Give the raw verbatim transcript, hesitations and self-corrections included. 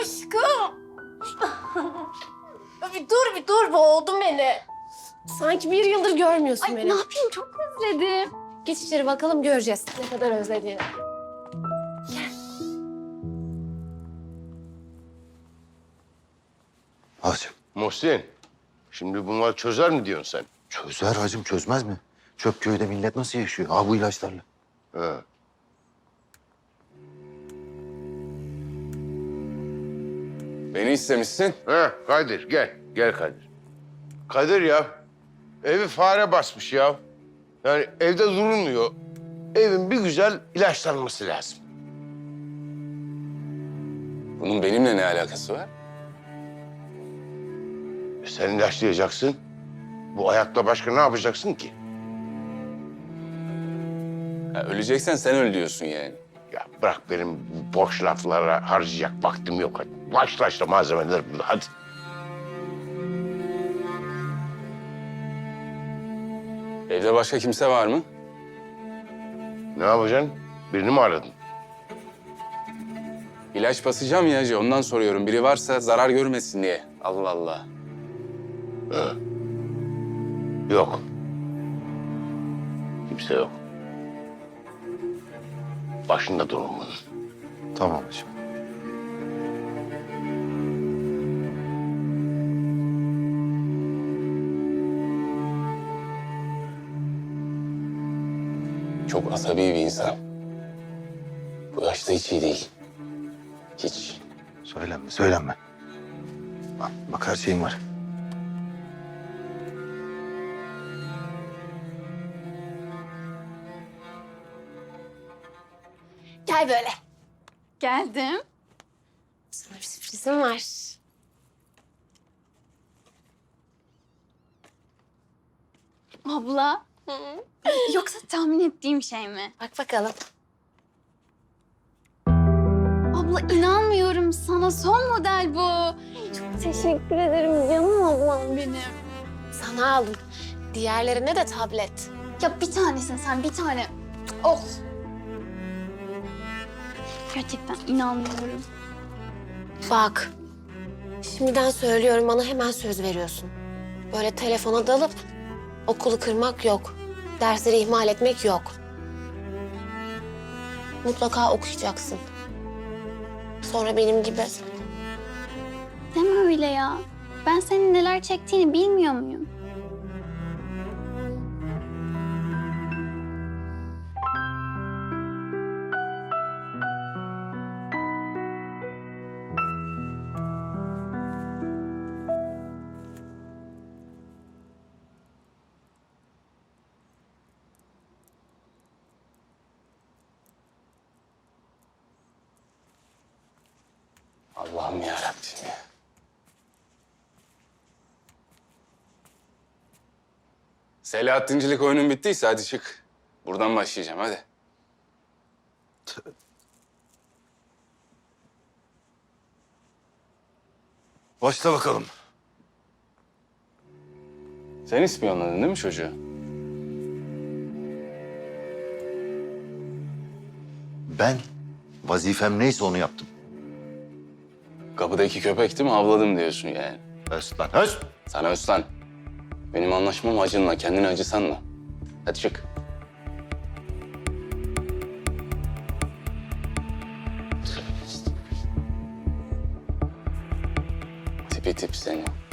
Aşkım. Bir dur bir dur boğuldun beni. Sanki bir yıldır görmüyorsun Ay beni. ne yapayım çok özledim. Geç içeri bakalım göreceğiz ne kadar özlediğini. Hacım. Muhsin, şimdi bunları çözer mi diyorsun sen? Çözer hacım, çözmez mi? Çöpköy'de millet nasıl yaşıyor? Ha bu ilaçlarla. He. Beni istemişsin. He, Kadir gel, gel Kadir. Kadir ya, evi fare basmış ya. Yani evde durulmuyor. Evin bir güzel ilaçlanması lazım. Bunun benimle ne alakası var? E sen ilaçlayacaksın. Bu ayakla başka ne yapacaksın ki? Ha, öleceksen sen öl diyorsun yani. Ya bırak benim bu boş laflara harcayacak vaktim yok. Hadi başla işte malzemeler burada, hadi. Evde başka kimse var mı? Ne yapacaksın? Birini mi aradın? İlaç basacağım ya hacı, ondan soruyorum. Biri varsa zarar görmesin diye. Allah Allah. He. Yok. Kimse yok. Başında durun bunun. Tamam hacım. Çok asabi bir insan. Bu yaşta hiç iyi değil. Hiç. Söylenme, söylenme. Bak, bak her şeyim var. Gel böyle. Geldim. Sana bir sürprizim var. Abla. Yoksa tahmin ettiğim şey mi? Bak bakalım. Abla inanmıyorum sana. Son model bu. Çok teşekkür ederim canım ablam benim. Sana aldım. Diğerlerine de tablet. Ya bir tanesin sen bir tane. Oh. Gerçekten inanmıyorum. Bak. Şimdiden söylüyorum bana hemen söz veriyorsun. Böyle telefona dalıp okulu kırmak yok. Dersleri ihmal etmek yok. Mutlaka okuyacaksın. Sonra benim gibi. Deme öyle ya. Ben senin neler çektiğini bilmiyor muyum? Allah'ım yarabbim ya. Selahattincilik oyunun bittiyse hadi çık. Buradan başlayacağım hadi. Başla bakalım. Sen ispiyonladın değil mi çocuğu? Ben vazifem neyse onu yaptım. Kapıdaki köpekti mi avladım diyorsun yani. Höst lan, höst! Sana Özlan. Benim anlaşmam acınla, kendini acısanla. Hadi çık. Tipi tip seni.